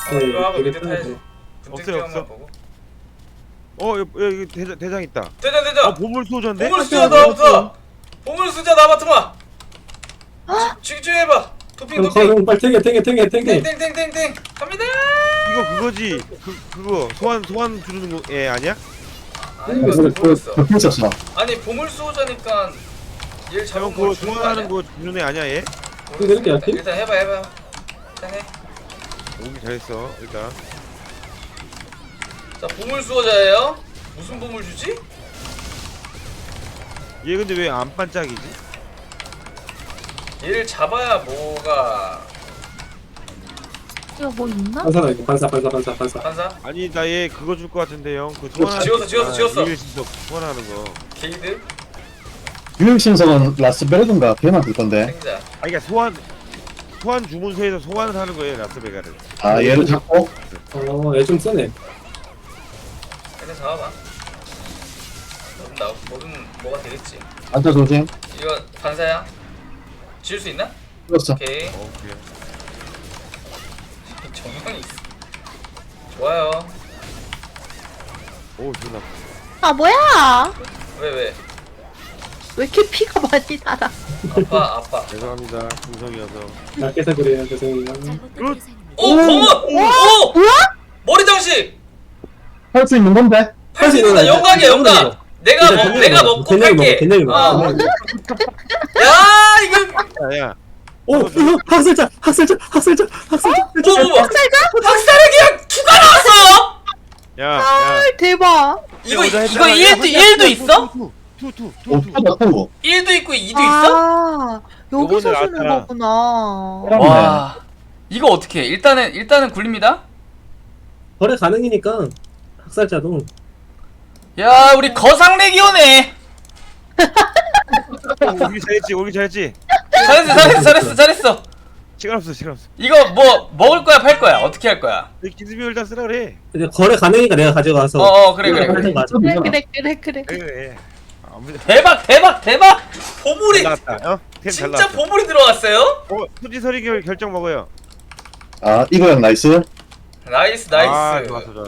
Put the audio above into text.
이거 하고 되게 미드 편하지. 타야지. 없어요, 없어. 보고. 여기 대장 있다. 대장. 보물 소전데? 보물 수자 나부터. 보물 수자 나부터마. 집중해봐. 도핑. 형 빨리 탱해. 땡땡땡땡땡. 갑니다. 이거 그거지. 그거 소환 주는 거 아니야? 아니 모르겠어. 겹쳤어. 아니 보물 수호자니까 얘를 잡은 형 그거 걸 주는 거 아니야? 소환하는 거 주는 애 아니야 얘? 이렇게 할게. 일단 해봐. 일단 해. 오기 잘했어 일단. 자 보물 수호자예요. 무슨 보물 주지? 얘 근데 왜 안 반짝이지? 얘를 잡아야 뭐가 이거 뭐 있나? 반사다 이거 반사. 반사? 아니 나 얘 그거 줄 것 같은데 형. 그 소환하는 지웠어. 일신석 소환하는 거. 게이드? 유형신석은 라스베르든가 걔만 들 건데. 생자. 아니 그러니까 소환 주문서에서 소환을 하는 거예요 라스베가를. 아 얘를 잡고. 얘 좀 쓰네. 일단 잡아봐. 뭐든 뭐가 되겠지. 앉아 조심. 이거 반사야? 지울 수 있나? 죽었어. 오케이. 오케이. 정형이 있어. 좋아요. 오 존나. 아 뭐야? 왜? 왜 이렇게 피가 많이 날아? 아파. 죄송합니다 중성이어서. 얇게서 그래요 죄송해요. 오! 검은! 오! 뭐야? 머리 장식! 할 수 있는 건데. 할 수 있는 영광이야 영광! 내가 먹고 팔게! 된장이 먹어. 야 이거 야야. 오 학살자. 뭐 학살에 그냥 투가 나왔어! 야. 아 대박. 이거 1도 있어? 투. 투다 투. 1도 있고 2도 있어? 아 여기서 요번에 주는 나왔잖아. 거구나. 와 이거 어떻게 해? 일단은 굴립니다. 거래 가능이니까 학살자도. 야 우리 거상 레기오네. 오기 잘했지. 잘했어. 시간 없어. 이거 뭐 먹을 거야 팔 거야 어떻게 할 거야? 기습이 일단 쓰라 그래. 근데 거래 가능이니까 내가 가져가서. 그래. 맞아. 그래. 그래. 아무 대박 보물이 잘 나왔다. 템 잘 진짜 나왔다. 보물이 들어왔어요? 수지서리 결정 먹어요. 아 이거야 나이스. 나이스 아 좋았어.